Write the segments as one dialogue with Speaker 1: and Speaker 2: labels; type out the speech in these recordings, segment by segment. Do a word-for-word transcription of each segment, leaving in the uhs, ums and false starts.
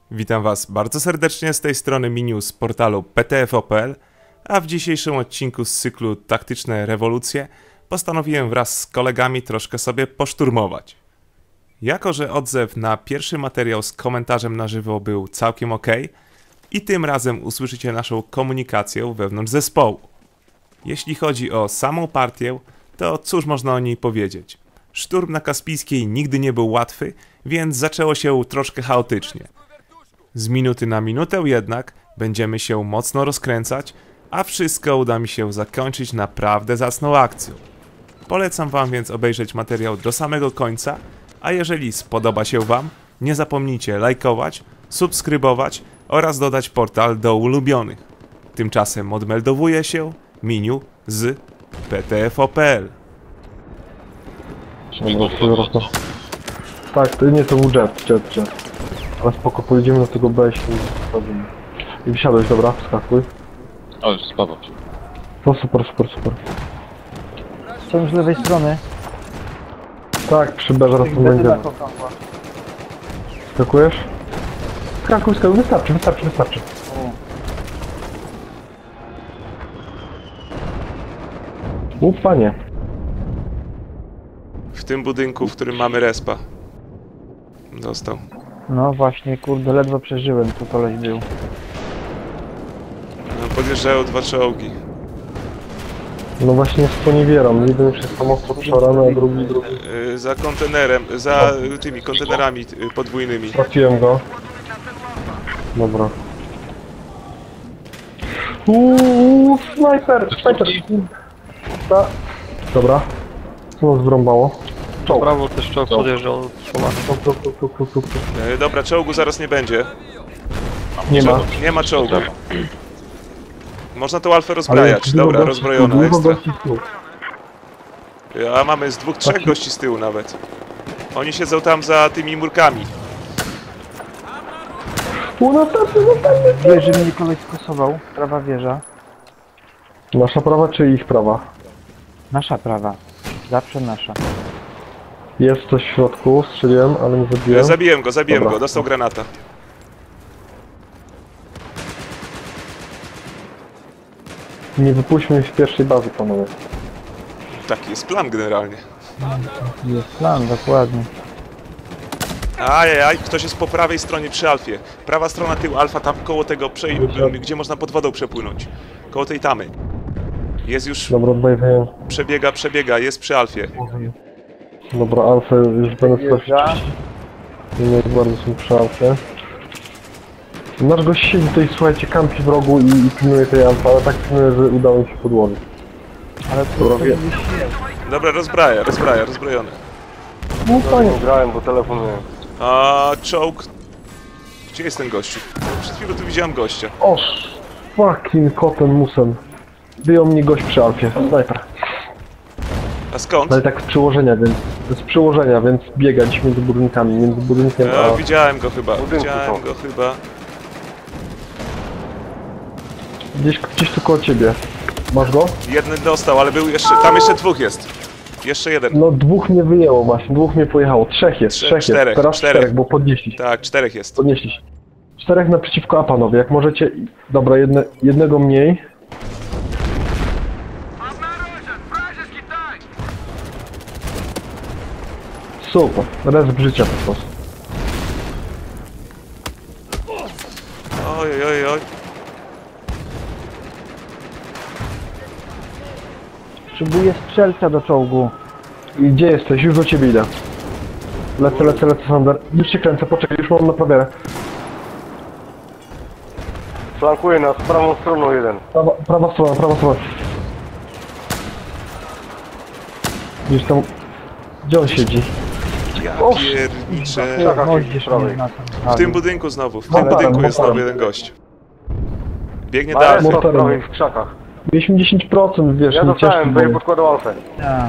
Speaker 1: Witam Was bardzo serdecznie z tej strony Miniu z portalu P T F kropka P L, a w dzisiejszym odcinku z cyklu Taktyczne Rewolucje postanowiłem wraz z kolegami troszkę sobie poszturmować. Jako że odzew na pierwszy materiał z komentarzem na żywo był całkiem ok, i tym razem usłyszycie naszą komunikację wewnątrz zespołu. Jeśli chodzi o samą partię, to cóż można o niej powiedzieć? Szturm na Kaspijskiej nigdy nie był łatwy, więc zaczęło się troszkę chaotycznie. Z minuty na minutę jednak będziemy się mocno rozkręcać, a wszystko uda mi się zakończyć naprawdę zacną akcją. Polecam Wam więc obejrzeć materiał do samego końca, a jeżeli spodoba się Wam, nie zapomnijcie lajkować, subskrybować oraz dodać portal do ulubionych. Tymczasem odmeldowuje się Miniu z P T F kropka P L.
Speaker 2: Tak, to nie, to był jet, jet, jet. Ale spoko, pojedziemy do tego B i się wstawimy. I wsiadłeś, dobra, wskakuj.
Speaker 3: O, już spadł.
Speaker 2: No super, super, super.
Speaker 4: Są z lewej strony.
Speaker 2: Tak, przy B zaraz tu będziemy. Skakujesz? Skakuj, skakuj, wystarczy, wystarczy, wystarczy. O, panie.
Speaker 1: W tym budynku, w którym mamy respa. Dostał.
Speaker 4: No właśnie, kurde, ledwo przeżyłem, tu koleś był.
Speaker 1: No, podjeżdżają dwa czołgi.
Speaker 2: No właśnie sponiewieram, jeden już jest tam ostro przorany, a drugi, drugi.
Speaker 1: Yy, za kontenerem, za tymi kontenerami yy, podwójnymi.
Speaker 2: Trafiłem go. Dobra. Uuu, snajper, snajper. Ta. Dobra. Co nas wrąbało? Czołg.
Speaker 3: Prawo też czołg podjeżdżał.
Speaker 2: Czołg, czołg, czołg, czołg, czołg, czołg.
Speaker 1: Yy, dobra, czołgu zaraz nie będzie.
Speaker 2: Nie ma.
Speaker 1: Nie ma czołgu. Można tą alfę rozbrajać. Dobra, rozbrojona ekstra. A mamy z dwóch, trzech gości z tyłu nawet. Oni siedzą tam za tymi murkami.
Speaker 2: U, następny, następny.
Speaker 4: Wieży mnie koleś skosował, prawa wieża.
Speaker 2: Nasza prawa czy ich prawa?
Speaker 4: Nasza prawa. Zawsze nasza.
Speaker 2: Jest coś w środku, strzeliłem, ale nie zabiłem.
Speaker 1: Zabiłem go, zabiłem
Speaker 2: Dobra.
Speaker 1: go, dostał granata.
Speaker 2: Nie wypuśćmy ich z pierwszej bazy, panowie.
Speaker 1: Taki jest plan generalnie.
Speaker 4: Jest plan, dokładnie.
Speaker 1: Ajajaj, ktoś jest po prawej stronie przy alfie. Prawa strona tył alfa, tam koło tego, prze... gdzie można pod wodą przepłynąć. Koło tej tamy. Jest już,
Speaker 2: Dobra, odbajwuję.
Speaker 1: przebiega, przebiega, jest przy alfie.
Speaker 2: Dobra, alfę już będę trafić. Nie bardzo są przy alfie. Nasz gość siedzi tutaj, słuchajcie, kampi w rogu i, i pilnuje tej alfa, ale tak pilnuje, że udało mi się podłożyć.
Speaker 4: Ale to
Speaker 2: Dobra, wie.
Speaker 1: Dobra, rozbraja, rozbraja, rozbrojony.
Speaker 2: No fajnie.
Speaker 3: Grałem, bo telefonuję.
Speaker 1: A czołg... Gdzie jest ten gościu? Przed chwilą tu widziałem gościa.
Speaker 2: O, fucking kotem musem. Wyjął mnie gość przy alfie, snajper.
Speaker 1: A skąd?
Speaker 2: Ale tak z przyłożenia, więc z przyłożenia, więc biegać między budynkami, między budynkiem a...
Speaker 1: A, widziałem go chyba,
Speaker 3: Budynku
Speaker 1: widziałem
Speaker 3: są.
Speaker 1: go chyba.
Speaker 2: Gdzieś, gdzieś tu koło ciebie. Masz go?
Speaker 1: Jeden dostał, ale był jeszcze... Tam jeszcze dwóch jest. Jeszcze jeden.
Speaker 2: No dwóch mnie wyjęło właśnie, dwóch mnie pojechało. Trzech jest,
Speaker 1: Trze-
Speaker 2: trzech
Speaker 1: czterech,
Speaker 2: jest. Teraz
Speaker 1: czterech.
Speaker 2: czterech, bo podnieśli.
Speaker 1: Tak, czterech jest.
Speaker 2: Podnieśli się. Czterech naprzeciwko A, panowie, jak możecie... Dobra, jedne, jednego mniej. Super, resp życia po prostu.
Speaker 1: Oj, oj, oj.
Speaker 4: Potrzebuję strzelca do czołgu.
Speaker 2: I gdzie jesteś? Już do ciebie idę. Lecę, lecę, lecę, Sander. Już się kręcę, poczekaj, już mam naprawiarę.
Speaker 3: Flankuje nas prawą stroną jeden.
Speaker 2: Prawa, prawa strona, prawa strona. Gdzieś tam... Gdzie on siedzi?
Speaker 1: Ja
Speaker 2: O,
Speaker 1: pierniczę.
Speaker 3: Czekaj,
Speaker 4: Moździerz
Speaker 3: prawej.
Speaker 4: mnie na
Speaker 1: W tym budynku znowu, w tym
Speaker 2: Motorem,
Speaker 1: budynku jest znowu
Speaker 2: motorem.
Speaker 1: jeden gość. Biegnie do
Speaker 3: Ale
Speaker 1: alfy.
Speaker 3: po prawej w krzakach.
Speaker 2: Mieliśmy dziesięć procent, wiesz,
Speaker 3: Ja
Speaker 2: nie ciężko
Speaker 3: dostałem, bo
Speaker 2: było.
Speaker 3: je podkładał alfę.
Speaker 4: Ja.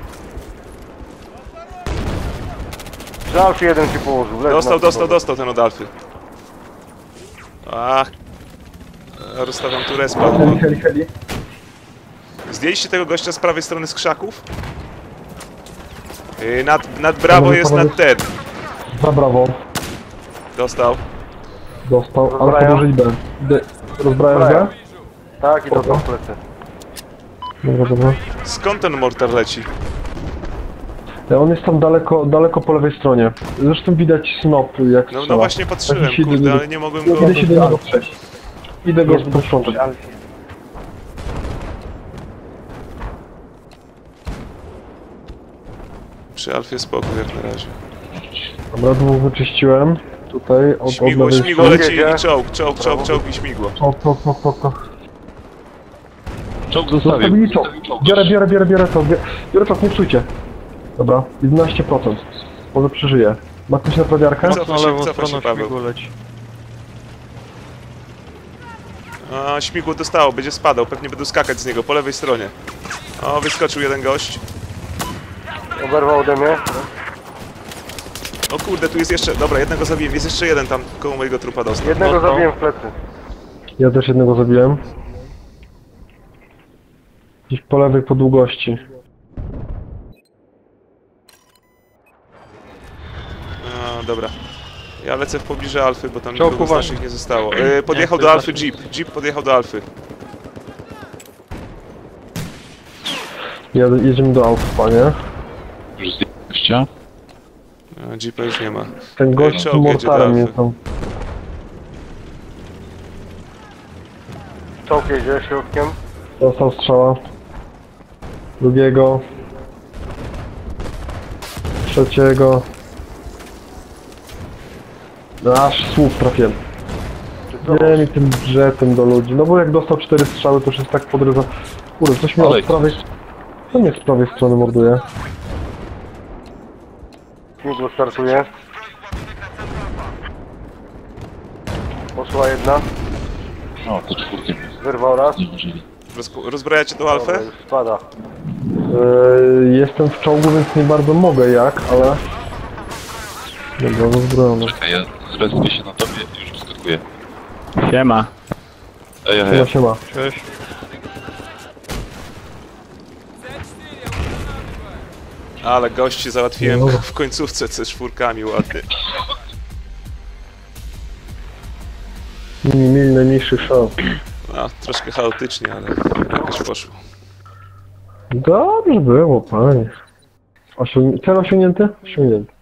Speaker 3: Przy alfie jeden się położył. leży
Speaker 1: Dostał,
Speaker 3: na
Speaker 1: dostał,
Speaker 3: podłodze.
Speaker 1: dostał ten od alfy. Ach. Rozstawiam tu respa.
Speaker 2: Heli, heli, heli.
Speaker 1: Zdjęliście tego gościa z prawej strony z krzaków? Yy, nad, nad brawo jest nad ten.
Speaker 2: Za brawo.
Speaker 1: Dostał.
Speaker 2: Dostał, alfa
Speaker 3: Rozbrajają?
Speaker 2: dożyć B. D. Rozbrałem
Speaker 3: Rozbrajają.
Speaker 2: B?
Speaker 3: Tak, i to
Speaker 2: Spoko.
Speaker 3: są plecy.
Speaker 2: Dobra, dobra.
Speaker 1: Skąd ten mortar leci?
Speaker 2: E, On jest tam daleko, daleko po lewej stronie. Zresztą widać snop jak
Speaker 1: No,
Speaker 2: strzela.
Speaker 1: no właśnie patrzyłem,
Speaker 2: Taki się
Speaker 1: kurde,
Speaker 2: idę-
Speaker 1: ale nie mogłem go...
Speaker 2: Idę się do niego przejść. Idę go
Speaker 4: Jest
Speaker 2: posprzątać.
Speaker 4: przy Alfie.
Speaker 1: Przy Alfie spokój jak na razie.
Speaker 2: Dobra, dwóch wyczyściłem. Tutaj od,
Speaker 1: Śmigło,
Speaker 2: od lewej
Speaker 1: śmigło
Speaker 2: strony.
Speaker 1: leci
Speaker 3: Jedzie.
Speaker 1: i czołg, czołg, czołg, czołg i śmigło.
Speaker 2: O, to, to, to, to.
Speaker 5: Czołg zostawił.
Speaker 2: Zostawili czołg. Biorę, biorę, biorę, biorę to. Biorę, biorę czołg, nie psujcie. Dobra, jedenaście procent. Może przeżyje. Ma ktoś naprawiarkę?
Speaker 1: Cofa się, cofa się Paweł. A, śmigło dostało, będzie spadał, pewnie będą skakać z niego po lewej stronie. O, wyskoczył jeden gość.
Speaker 3: Oberwał ode mnie.
Speaker 1: O kurde, tu jest jeszcze... Dobra, jednego zabiłem, jest jeszcze jeden tam koło mojego trupa dostał.
Speaker 3: Jednego zabiłem w plecy.
Speaker 2: Ja też jednego zabiłem. Gdzieś po lewej po długości.
Speaker 1: A, dobra. Ja lecę w pobliże Alfy, bo tam
Speaker 5: Czołg,
Speaker 1: nikogo z
Speaker 5: uważaj.
Speaker 1: naszych nie zostało. Yy, podjechał
Speaker 5: Nie,
Speaker 1: do
Speaker 5: to
Speaker 1: Alfy
Speaker 5: jest
Speaker 1: Jeep. Jeep podjechał do Alfy.
Speaker 2: Jed jedziemy do Alfa, panie.
Speaker 5: Już zdjęcia.
Speaker 1: A, Jeepa już nie ma.
Speaker 2: Ten gość z
Speaker 1: Czołg jedzie do
Speaker 2: mortarem
Speaker 1: Alfy.
Speaker 2: jest tam.
Speaker 3: Czołg jedzie środkiem.
Speaker 2: Dostał strzała. Drugiego. Trzeciego. Aż słup trafiłem. Nie mi tym jetem do ludzi. No bo jak dostał cztery strzały, to już jest tak podrywa. Kurde, coś mnie
Speaker 5: Olej.
Speaker 2: od prawej... Co mnie z prawej strony morduje?
Speaker 3: Śmigło startuje. Poszła jedna.
Speaker 5: O, to czwórkiem
Speaker 3: Wyrwał raz.
Speaker 5: nie użyli.
Speaker 1: Rozpo- rozbrajacie tą Alfę?
Speaker 3: Dobra, już spada.
Speaker 2: Yy, jestem w czołgu, więc nie bardzo mogę jak, ale... Dobra, rozbrojony.
Speaker 5: Czekaj, ja zrespię się na tobie i już wyskakuję.
Speaker 4: Siema.
Speaker 5: Ej, ej,
Speaker 2: Siema,
Speaker 5: ej.
Speaker 2: siema.
Speaker 4: Cześć.
Speaker 1: Ale gości załatwiłem
Speaker 2: Dobra.
Speaker 1: w końcówce ze czwórkami ładnie.
Speaker 2: Nie mieli najmniejszych szans.
Speaker 1: No, troszkę chaotycznie, ale jakoś poszło.
Speaker 2: Dobrze było, panie. Osiąg... Cel osiągnięty? Osiągnięty.